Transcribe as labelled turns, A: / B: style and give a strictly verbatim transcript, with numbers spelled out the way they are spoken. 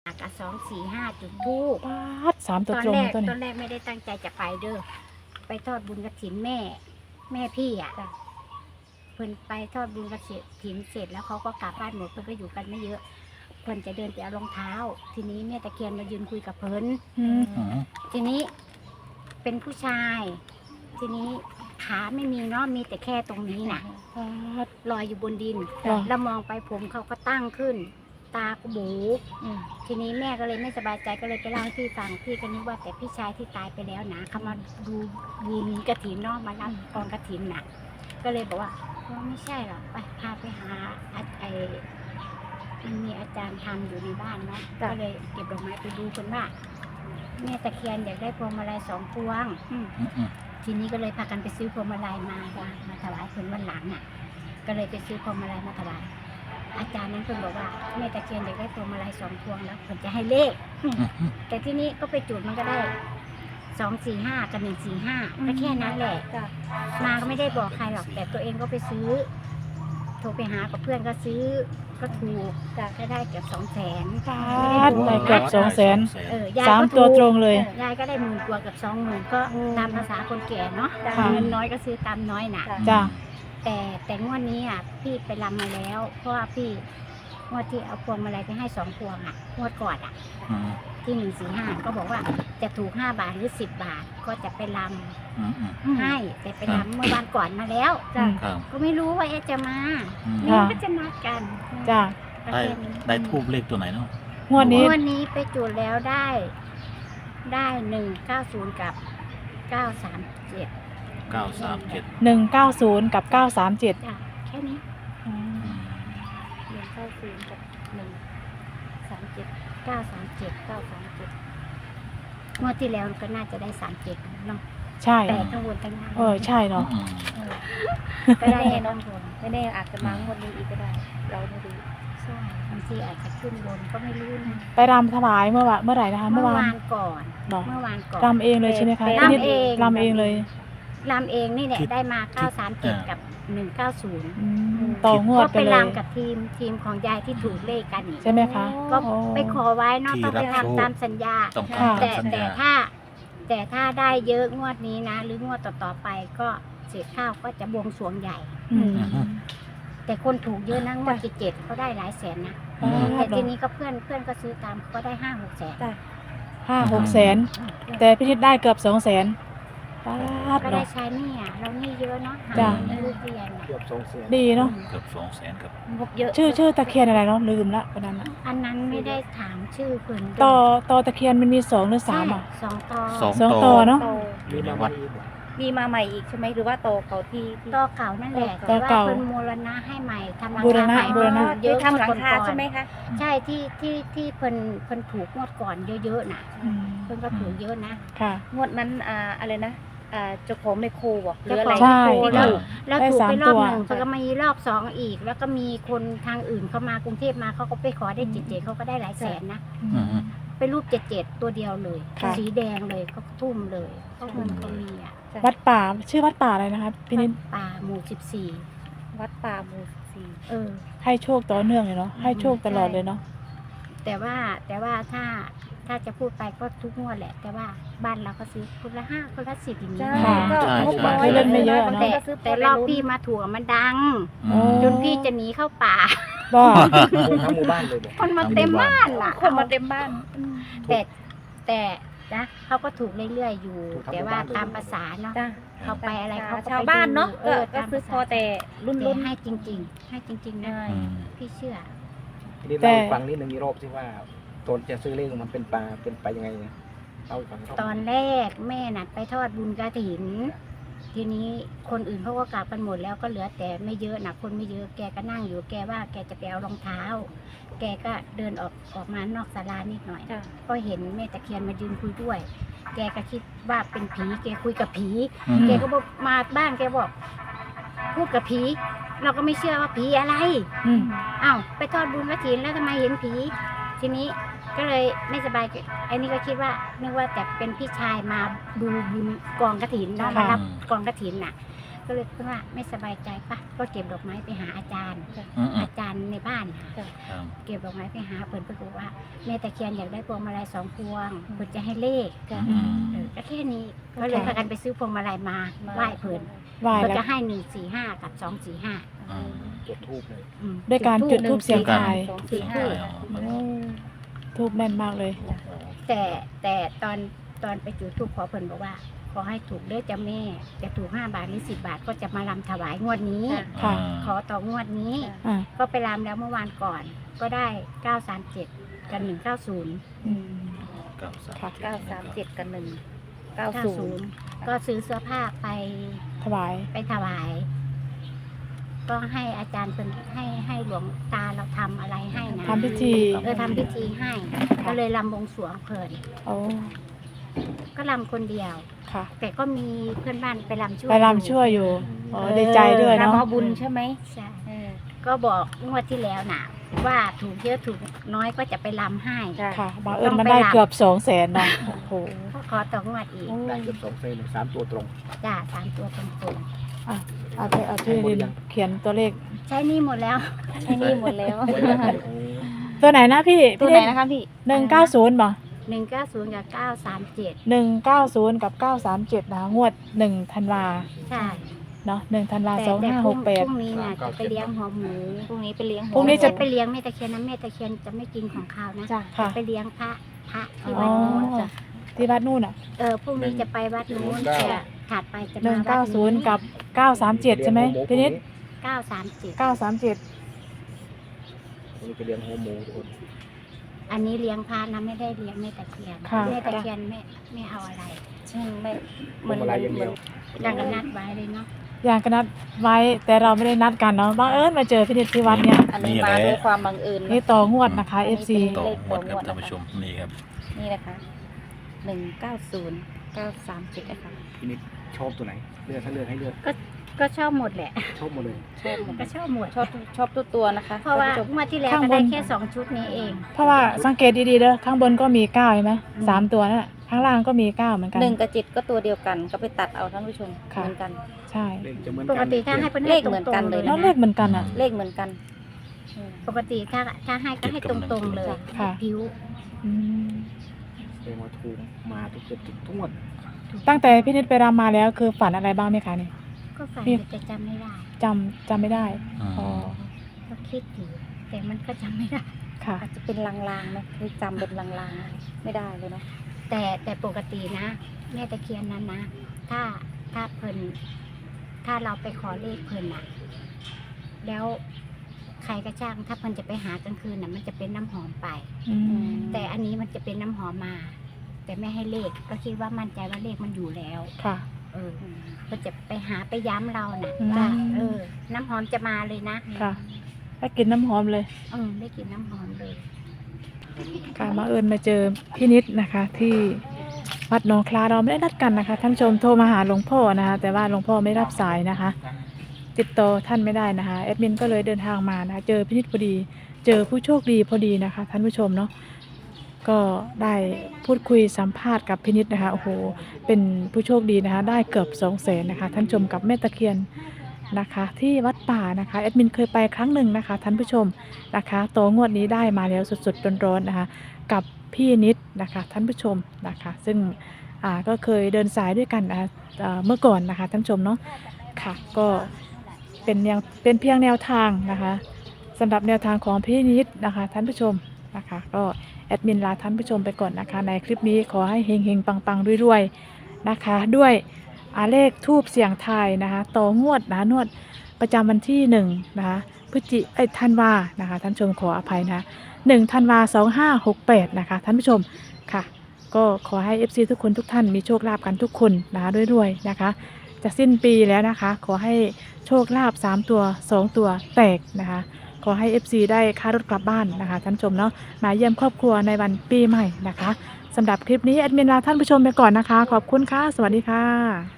A: กับสองสี่ห้าจุดทูบ
B: ปาดสามตัวตรง
A: แรก
B: ตัว
A: ต
B: นี้
A: อนแรกไม่ได้ตั้งใจจะไปเด้อไปทอดบุญกฐินแม่ แม่พี่อ่ะเพิ่นไปทอดบุญกฐินเสร็จแล้วเขาก็กลับบ้านหมดเพิ่นก็อยู่กันไม่เยอะเพิ่นจะเดินไปเอารองเท้า ทีนี้แม่ตะเคียนมายืนคุยกับเพิ่น
B: อืม
C: อืม
A: ทีนี้เป็นผู้ชาย ทีนี้ขาไม่มีเนาะมีแต่แค่ตรงนี้น่ะ
B: ปาด
A: ลอยอยู่บนดิน
B: ค่ะ
A: แล้วมองไปผมเขาก็ตั้งขึ้น ตาก็บู
B: อืม
A: ทีนี้แม่ก็เลยไม่สบายใจก็เลยไปเล่าให้พี่ฟังพี่ก็นึกว่าแต่พี่ชายที่ตายไปแล้วนะเขามาดูบุญกฐินเนาะมารับกองกฐินน่ะ ก็เลยบอกว่าว่าไม่ใช่หรอกไปพาไปหาอาไอมันมีอาจารย์ทำอยู่ในบ้านเนาะก็เลยเก็บดอกไม้ไปดูกันว่าแม่ตะเคียนอยากได้พวงมาลัยสองพวง
B: อืม
C: อืมอืม
A: ทีนี้ก็เลยพากันไปซื้อพวงมาลัยมามามาถวายเพิ่นวันหลังน่ะ ก็เลยไปซื้อพวงมาลัยมาถวายอาจารย์นั้นเพิ่นบอกว่าแม่ตะเคียนอยากได้พวงมาลัยสองพวงแล้วเพิ่นจะให้เลข
C: อืมอืม
A: แต่ที่นี้ก็ไปจุดมันก็ได้สองสี่ห้ากับหนึ่งสี่ห้าก็แค่นั้นแหละมาก็ไม่ได้บอกใครหรอกแต่ตัวเองก็ไปซื้อ โทรไปหากับเพื่อนก็ซื้อก็ถูกก็ได้เกือบสองแสน
B: ปาดได้เกือบสองแสน
A: เออยาย
B: สาม
A: ก็
B: ตัว
A: ถูก
B: ตรงเลย
A: ออยายก็ได้หมื่นกว่ากับสองหมื่นก็ตามภาษาคนแก่เนาะ
B: ค่ะ
A: เงินน้อยก็ซื้อตามน้อยน่ะ
B: จ้ะ
A: แต่แต่งวดนี้อ่ะพี่ไปรำมาแล้ว เพราะว่าพี่งวดที่เอาพวงมาลัยไปให้สองพวงอ่ะงวดก่อนอ่ะ
C: อืม
A: ที่หนึ่งสี่ห้าก็บอกว่าจะถูกห้าบาทหรือสิบบาทก็จะไปร
C: อืมอืม
A: ำให้แต่ไปรำเมื่อวานก่อนมาแล้ว
B: จ้ะ
C: ครับ
A: ก็ไม่รู้ว่าเอ๊ะจะมา
C: อืม
A: นี่
B: ค่ะ
A: ก็จะนัดกัน
B: จ้ะ
A: ก็
C: ได้
A: แค่นี้
C: ได้ทูบเลขตัวไหนเนาะ
B: งวดนี้
A: งวดนี้ไปจุดแล้วได้ ได้หนึ่งเก้าศูนย์กับเก้าสามเจ็ด
C: เก้าสามเจ็ด
B: หนึ่งเก้าศูนย์กับเก้าสามเจ็ด
A: จ้ะแค่นี้
C: อืม
A: หนึ่งเก้าศูนย์กับหนึ่งสามเจ็ดเก้าสามเจ็ดเก้าสามเจ็ดงวดที่แล้วก็น่าจะได้สามเจ็ดเนาะ
B: ใช่
A: แต่ข้างบนข้างล่าง
B: เออใช่เนาะ
C: อืม
A: ก็ได้แน่นอนบน
D: ไม่แน่อาจจะมางวดนี้อีกก็ได้ เราไม่รู้
A: ใช่บางทีอาจจะขึ้นบนก็ไม่รู้นะ
B: ไปรำถวายเมื่อวะเมื่อไหร่นะคะ
A: เมื่
B: เมื่
A: อ
B: อวาน
A: วานก่อน
B: บอก
A: เมื่อวานก่อน
B: รำเองเลยใช่ไหมคะ
A: รำเอง
B: รำเองเลย
A: รำเองนี่แหละได้มาเก้าสามเจ็ดกับหนึ่งเก้าศูนย์
B: อืมต่องวด
A: ก็
B: ไป
A: ไป
B: เลย
A: รำกับทีมทีมของยายที่ถูกเลขกันนี่
B: ใช่ไหมคะ
A: ก็
B: โอ้
A: ไปขอไว้เนอะต้องไปทำตามสัญญา
C: ต้อง
B: ค่ะ
C: ทำ
A: แต่
C: ตามสัญ
A: แต่
C: ญา
A: ถ้า แต่ถ้าได้เยอะงวดนี้นะ หรืองวดต่อๆไปก็เศษข้าวก็จะบวงสรวงใหญ่
B: อืม
A: แต่คนถูกเยอะนะงวดเจ็ดเขาได้หลายแสนนะ
C: อืม
A: แต่ทีนี้ก็เพื่อนเพื่อนก็ซื้อตามก็ได้ห้าหกแสน
B: ห้าหกแสนแต่พี่ทิศได้เกือบสองแสนปาด
A: ก็ได้
B: เนาะ
A: ใช้หนี่อ่ะเราหนี่เยอะเนาะหา
B: จ้ะ
A: เงินลูกเรียนอะ
E: เกือบสองแสน
B: ดีเนาะ
C: เกือบสองแสนครับ
D: งบเยอะ
B: ชื่อชื่อตะเคียนอะไรเนาะลืมละวันนั้นอะ
A: อันนั้นไม่ได้ถามชื่อเพิ่น
B: ต่อต่อตะเคียนมันมีสองหรือสา
A: ใช่
B: มอ่ะ
A: สองตอ
C: สอง
B: สองต่อเนาะ
D: โต
C: อยู่ในวัด
D: มีมาใหม่อีกใช่ไหมหรือว่าโตเขาที่ที่
A: ตอเก่านั่นแหละ
B: ต่
A: แต่
B: อ
A: ว่า
B: เก่า
A: เพิ่นมูลนะให้ใหม่ทำหลัง
B: บูร
A: คา
B: ณะ
A: ใหม่
B: บูรณะ
A: เยอะ
D: ทำหลังคา
A: ก่อนๆ
D: ใช่ไหมคะ
A: ใช่ที่ที่ที่เพิ่นเพิ่นถูกงวดก่อนเยอะๆน่ะ
B: อืม
A: เพิ่นก็ถูกเยอะนะ
B: ค่ะ
D: งวดนั้นอ่าอะไรนะอ่าเจ้าของในโคบอกหรืออะไร
B: ใช่
D: ที่
A: แล้ว
D: ถูก
A: แล้ว
B: ได้
A: ถูก
B: สาม
A: ไปรอบ
B: ตัว
A: หนึ่งเพิ่นก็มาอีกรอบสองอีก แล้วก็มีคนทางอื่นเข้ามากรุงเทพมาเขาก็ไปขอได้เจ็ดเจ็ดเขาก็ได้หลายแสนนะ
C: อืมอืม
A: เป็นรูปเจ็ดเจ็ดตัวเดียวเลย
B: ค่ะ
A: สีแดงเลยก็ทุ่มเลยเพราะเงินเขามีอ่ะ
B: วัดป่าชื่อวัดป่าอะไรนะคะพี่นิด
A: ป่าหมู่สิบสี่
D: วัดป่าหมู่สี่
A: เออ
B: ให้โชคต่อเนื่องเลยเนาะให้โชคตลอดเลยเนาะ
A: แต่ว่าแต่ว่าถ้าถ้าจะพูดไปก็ทุกงวดแหละ แต่ว่าบ้านเราก็ซื้อคนละห้าคนละสิบอย่างนี้
D: ใช่
B: ค่ะ
D: ก็งบน้อย
B: ไม่เล่นไม่เยอะเนอะ
D: บางที
A: แต่
D: ก็ซื้อ
A: แต่รอบพี่มาถั่วมันดัง
C: อืม
A: จนพี่จะหนีเข้าป่า
B: บ้า
E: ทั้งหมู่บ้านเลยบอก
A: คนมาเต็มบ้านล่ะ
D: คนมาเต็มบ้าน
A: แต่แต่นะเขาก็ถูกเรื่อยๆอยู่ แต่ว่าตามภาษาเนาะ
D: จ้ะ
A: เขาไปอะไรเขาก็ไป
D: ชาวบ้านเนาะ
A: ดู
D: ก็ก็ซื้อพอแต่รุ่น
A: แต่
D: รุ่น
A: ให้จริง ๆ ให้จริง ๆ นะ
D: ใช่
C: อืม
A: พี่เชื่อ
E: ทีนี้เราให้ฟังนิดนึงอีกรอบสิว่าตอนจะซื้อเลขมันเป็นปลาเป็นไปยังไงเอาให้ฟังอีกรอบ
A: ตอนแรกแม่น่ะไปทอดบุญกฐิน ทีนี้คนอื่นเขาก็กลับกันหมดแล้วก็เหลือแต่ไม่เยอะนะคนไม่เยอะแกก็นั่งอยู่แกว่าแกจะไปเอารองเท้า แกก็เดินออกออกมานอกศาลานิดหน่อย
D: จ้ะ
A: ก็เห็นแม่ตะเคียนมายืนคุยด้วย แกก็คิดว่าเป็นผี แกคุยกับผี
C: อืม
A: แกก็บอกมาบ้านแกบอกพูดกับผี เราก็ไม่เชื่อว่าผีอะไร
B: อืม
A: อ้าวไปทอดบุญกฐินแล้วทำไมเห็นผี ทีนี้ก็เลยไม่สบายไอ้นี่ก็คิดว่านึกว่าแต่เป็นพี่ชายมาดูบุญกองกฐินเนาะมารับกองกฐินน่ะก็เลยคิดว่าไม่สบายใจปะก็เก็บดอกไม้ไปหาอาจารย์
C: อืมอืม
A: อาจารย์ในบ้านค่ะ
C: ครับ
A: เก็บดอกไม้ไปหาเพิ่นเพิ่นบอกว่าแม่ตะเคียนอยากได้พวงมาลัยสองพวงเพิ่นจะให้เลข
C: อืม
A: เออก็แค่นี้ก็เลยพากันไปซื้อพวงมาลัยมาไหว้เพิ่น
B: ไหว้
A: เพิ่น
B: แล้ว
A: จะให้หนึ่งสี่ห้ากับสองสี่ห้า
C: อืม
E: จุดทูบเลย
A: อืม
B: ด้วยการจุดธูปเสียงทาย
D: สองสี่ห้า
C: อ๋อมัน
B: โอ้ทูบแม่นมากเลย
A: แต่แต่ตอนตอนไปจุดธูปขอเพิ่นบอกว่า ขอให้ถูกเด้อจ้าแม่จะถูกห้าบาทหรือสิบบาทก็จะมาลำถวายงวดนี้
B: ค่ะ
A: ขอต่องวดนี้
B: อ่า
A: ก็ไปรำแล้วเมื่อวานก่อน ก็ได้เก้าสามเจ็ดกับหนึ่งเก้าศูนย์
B: อืม
C: เก้าสาม
B: ค่ะ
D: เก้าสามเจ็ดกับหนึ่งเก้า
A: เก้า
D: ศู
A: ศู
D: น
A: น
D: ย์
A: ย์ก็ซื้อเสื้อผ้าไป
B: ถวาย
A: ไปถวาย ก็ให้อาจารย์เป็นให้ให้หลวงตาเราทำอะไรให้นะ
B: ทำพิธี
A: เออทำพิธีให้ ก็เลยรำบวงสรวงเพลิน
B: โอ้
A: ก็รำคนเดียว
B: ค่ะ
A: แต่ก็มีเพื่อนบ้านไปรำช่วย
B: ไปรำช่วยอยู่โอ้ดีใจด้วย
D: รับ
B: เนาะ
D: เอาบุญใช่ไหม
A: ใช่
D: เออ
A: ก็บอกงวดที่แล้วน่ะ ว่าถูกเยอะถูกน้อยก็จะไปรำให้
D: จ้ะ
B: ค่ะบังเอิญมันได้เกือบสองแสนเนาะโอ้โห
A: ก็ขอต่องวดอีก
E: ได้เกือบสองเซนเลยสามตัวตรง
A: จ้าสามตัวตรง
B: อ่ะเอาไปเอาที่ดินเขียนตัวเลข
A: ๆใช้หนี่หมดแล้ว
D: ใช่นี่หมดแล้ว
E: โอ้
B: ตัวไหนนะพี่
D: ตัวไหนนะคะพี่
B: หนึ่งเก้าศูนย์บ่
A: หนึ่งเก้าศูนย์กับเก้าสามเจ็ด
B: หนึ่งเก้าศูนย์กับเก้าสามเจ็ดนะงวดหนึ่งธันวา
A: ใช่
B: เนาะหนึ่งธันวา
A: แต่
B: สอง
A: แต่
B: ห้า
A: พ
B: ห
A: รุ่ง
B: กแปด
A: พรุ่งนี้น่ะจะไปเลี้ยงหัวหมู
D: พรุ่งนี้ไปเลี้ยงหัว
B: พรุ่งนี้จะ
A: ไม่ไปเลี้ยงแม่ตะเคียนนะแม่ตะเคียนจะไม่กินของข้าวนะ
D: จ้ะ
B: ค่ะ
A: ไปเลี้ยงพระพระที่
B: อ๋
A: วั
B: อ
A: ดนู้นจ้ะ
B: ที่วัดนู่นอ่ะ
A: เออพรุ่งนี้จะไปวัดนู้นจะถัดไปจะ
B: หนึ่
A: มาง วั
B: เก้า
A: ด
B: ศูนย์กับเก้าสามเจ็ดใช่ไหมพี่นิด
A: เก้าสามเจ็ด
B: เก้าสามเจ็ด
E: นี่จะเลี้ยงหัวหมูทุกคน
A: อันนี้เลี้ยงพระนะไม่ได้เลี้ยงแม่ตะเคียน
B: ค่ะ
A: แม่ตะเคียนไม่ไม่เอาอะไร
D: ใช่ไม่
E: พวงมาลัยอย่างเดียว
A: ดังกันนัดไว้เลยเนาะ
B: อย่างก็นัดไว้แต่เราไม่ได้นัดกันเนาะบังเอิญมาเจอพี่นิดที่วัดเนี่ย
D: อันนี้มาด้วยความบังเอิญ
B: นี่ต่องวดนะคะ เอฟ ซี
C: ต่อหมดครับท่านผู้ชมนี่ครับ
D: นี่นะคะหนึ่งเก้าศูนย์เก้าสามเจ็ดนะคะ
E: พี่นิดชอบตัวไหนเลือกถ้าเลือกให้เลือก
A: ก็ชอบหมดแหละ
E: ชอบหมดเลย
D: ชอบหมด
A: ก็ชอบหมด
D: ชอบชอบตัวตัวนะคะ
A: เพราะว่า
D: ท่นผู้ชม
A: งวดที่แล้วก็ได้แค่สองชุดนี้เอง
B: เพราะว่าสังเกตดีๆเด้อข้างบนก็มีเก้าใช่ไหมสามตัวนั่นแหละข้างล่างก็มีเก้าเหมือนกัน
D: หนึ่งกับเจ็ดก็ตัวเดียวกันก็ไปตัดเอาท่านผู้ชม
B: ค่ะ
D: เหมือนกัน
B: ใช่
E: เลขจะเหมือน
A: ป
E: กัน
A: กติถ้าให้เป็น
D: เลขเหมือนกันเลย
B: แล้วเลขเหมือนกันอ่ะ
D: เลขเหมือนกันอืม
A: ปกติถ้าถ้าให้ก็ให้ตรงๆเลย
B: ค่ะ
A: ผิว
B: อืม
E: เลขมาถูกมาทุกเกือบทุกทุกงวด
B: ตั้งแต่พี่นิดไปรำมาแล้วคือฝันอะไรบ้างไหมคะเนี่ย
A: ก็ฝัน
B: นี่
A: อยู่แต่จำไม่ได้
B: จำจำไม่ได้
C: อืม
B: อ๋อ
A: ก็คิดอยู่แต่มันก็จำไม่ได้
B: ค่ะ
D: อาจจะเป็นลางๆไหมเคยจำเป็นลางๆไม่ได้เลยเนาะ
A: แต่แต่ปกตินะแม่ตะเคียนนั้นนะถ้าถ้าเพิ่นถ้าเราไปขอเลขเพิ่นน่ะ แล้วใครก็ช่างถ้าเพิ่นจะไปหากลางคืนน่ะ มันจะเป็นน้ำหอมไป
B: อืม
A: แต่อันนี้มันจะเป็นน้ำหอมมา แต่ไม่ให้เลขก็คิดว่ามั่นใจว่าเลขมันอยู่แล้ว
B: ค่ะ
A: เออเพิ่นจะไปหาไปย้ำเราน่ะ
B: อืม
A: ว่าเออ น้ำหอมจะมาเลยนะ
B: ค่ะได้กลินน้ำหอมเลย
A: เออได้กลินน้ำหอมเลย
B: ค่ะมาเอิญมาเจอพี่นิดนะคะ ที่วัดหนองคลาเราไม่ได้นัดกันนะคะ ท่านผู้ชมโทรมาหาหลวงพ่อนะคะ แต่ว่าหลวงพ่อไม่รับสายนะคะ ติดต่อท่านไม่ได้นะคะแอดมินก็เลยเดินทางมานะคะเจอพี่นิดพอดี เจอผู้โชคดีพอดีนะคะ ท่านผู้ชมเนาะก็ได้พูดคุยสัมภาษณ์กับพี่นิดนะคะโอ้โหเป็นผู้โชคดีนะคะ ได้เกือบสองแสนนะคะท่านผู้ชมกับแม่ตะเคียนนะคะ ที่วัดป่านะคะแอดมินเคยไปครั้งหนึ่งนะคะ ท่านผู้ชมนะคะโตงวดนี้ได้มาแล้วสดๆร้อนๆนะคะ กับพี่นิดนะคะท่านผู้ชมนะคะ ซึ่งอ่าก็เคยเดินสายด้วยกันนะคะอ่าเมื่อก่อนนะคะท่านผู้ชมเนาะค่ะก็เป็นแนวเป็นเพียงแนวทางนะคะสำหรับแนวทางของพี่นิดนะคะท่านผู้ชมนะคะก็แอดมินลาท่านผู้ชมไปก่อนนะคะ ในคลิปนี้ขอให้เฮงเฮงปังปังๆรวยๆนะคะด้วยอาเลขทูบเสียงทายนะคะต่องวดนะคะงวดประจำวันที่หนึ่งนะคะพฤศจิเอ้ยธันวานะคะท่านผู้ชมขออภัยนะคะหนึ่งธันวาสองห้าหกแปดนะคะท่านผู้ชมค่ะก็ขอให้ เอฟ ซี ทุกคนทุกท่านมีโชคลาภกันทุกคนนะคะด้วยๆนะคะจะสิ้นปีแล้วนะคะขอให้โชคลาภสามตัวสองตัวแตกนะคะขอให้ เอฟ ซี ได้ค่ารถกลับบ้านนะคะท่านผู้ชมเนาะมาเยี่ยมครอบครัวในวันปีใหม่นะคะสำหรับคลิปนี้แอดมินลาท่านผู้ชมไปก่อนนะคะขอบคุณค่ะสวัสดีค่ะ